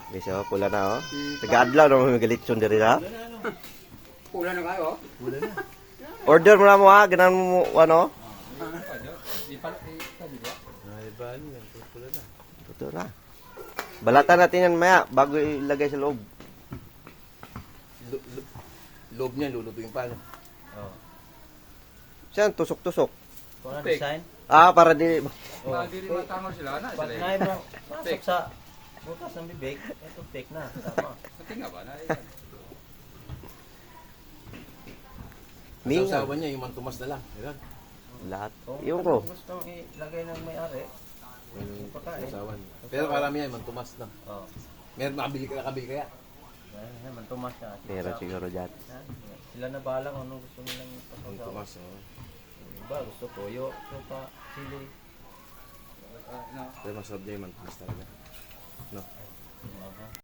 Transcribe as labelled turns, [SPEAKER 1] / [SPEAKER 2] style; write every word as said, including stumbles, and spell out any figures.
[SPEAKER 1] Bisa, pula na oh. Taga-adlaw na mga galitsyon diri ha.
[SPEAKER 2] Pula na kayo?
[SPEAKER 3] Wala na.
[SPEAKER 1] Order mo na mo ha, ganan mo ano?
[SPEAKER 3] Ay, bali yan. Pula na.
[SPEAKER 1] Totoo na. Balatan natin yan maya bago ilagay sa loob.
[SPEAKER 3] Lo- lo- Loob niya, lulutuin pa. No?
[SPEAKER 4] Oh.
[SPEAKER 1] Siyan, tusok-tusok.
[SPEAKER 4] Kung ano design?
[SPEAKER 1] Ah, para di...
[SPEAKER 4] Oh.
[SPEAKER 2] Hindi rin matangol sila na.
[SPEAKER 4] Pag naay mo, pasok sa bukas ng bibig, ito take na. Tama.
[SPEAKER 2] Pati nga ba na?
[SPEAKER 1] Minga.
[SPEAKER 3] Sa usawa niya, yung mantumas na lang. Ayan.
[SPEAKER 1] Lahat.
[SPEAKER 4] Kung
[SPEAKER 1] Yung ko.
[SPEAKER 4] gustong ilagay ng may-ari,
[SPEAKER 3] Yung
[SPEAKER 4] pagkain.
[SPEAKER 3] usawa niya. Pero karami yan, mantumas na.
[SPEAKER 4] Oh.
[SPEAKER 3] Meron makabili ka nakabili kaya.
[SPEAKER 4] Ayan, ayan, mantumas na.
[SPEAKER 1] Meron siguro dyan.
[SPEAKER 4] Ayan, sila na bahala kung ano gusto nilang pasasawa.
[SPEAKER 3] Mantumas, oh.
[SPEAKER 4] Iba, gusto toyo, sopa, sili.
[SPEAKER 3] Pero masarap niya yung mantumas talaga. No?
[SPEAKER 4] Mga